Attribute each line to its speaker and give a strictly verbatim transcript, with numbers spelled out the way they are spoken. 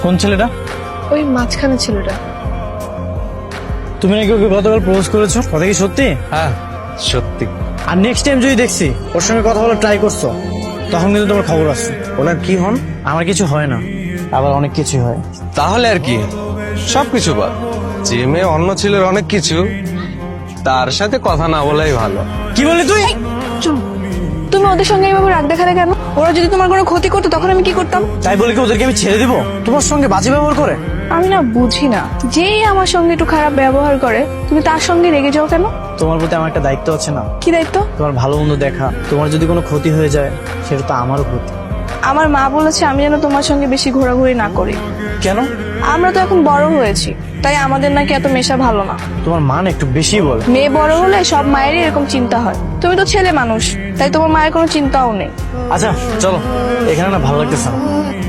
Speaker 1: কোন ছেলেটা?
Speaker 2: ওই মাঝখানে ছেলেটা।
Speaker 1: তুমি নাকি ওকে গতকাল প্রপোজ করেছো, কথা কি সত্যি?
Speaker 3: হ্যাঁ সত্যি।
Speaker 1: আর নেক্সট টাইম যদি দেখছি ওর সঙ্গে কথা বলার ট্রাই করছো, তখন কিন্তু তোমার খবর আছে।
Speaker 3: ওনার কি হন?
Speaker 1: আমার কিছু হয় না, আবার অনেক কিছু হয়।
Speaker 3: তাহলে আর কি, সবকিছু বাদ। যে মেয়ে অন্য ছেলের অনেক কিছু, তার সাথে কথা না বলাই ভালো।
Speaker 1: কি বললি তুই?
Speaker 2: চুপ। তুমি ওদের সঙ্গে এইভাবে রাগ দেখালে কেন? ওরা যদি তোমার কোনো ক্ষতি করতো তখন আমি কি করতাম?
Speaker 1: তাই বলে কি ওদেরকে আমি ছেড়ে দিব? তোমার সঙ্গে বাজে ব্যবহার করে?
Speaker 2: আমি না বুঝি না, যেই আমার সঙ্গে একটু খারাপ ব্যবহার করে তুমি তার সঙ্গে রেগে যাও কেন?
Speaker 1: তোমার প্রতি আমার একটা দায়িত্ব আছে না?
Speaker 2: কি দায়িত্ব?
Speaker 1: তোমার ভালো মন্দ দেখা। তোমার যদি কোনো ক্ষতি হয়ে যায় সেটা তো আমারও ক্ষতি।
Speaker 2: আমার মা বলেছে আমি যেন তোমার সঙ্গে বেশি ঘোরাঘুরি না করি।
Speaker 1: কেন?
Speaker 2: আমরা তো এখন বড় হয়েছি, তাই আমাদের নাকি এত মেশা ভালো না।
Speaker 1: তোমার মান একটু বেশি বলে।
Speaker 2: মেয়ে বড় হলে সব মায়েরই এরকম চিন্তা হয়। তুমি তো ছেলে মানুষ, তাই তোমার মায়ের কোনো চিন্তাও নেই।
Speaker 1: আচ্ছা চলো, এখানে না ভালো লাগতেছে না।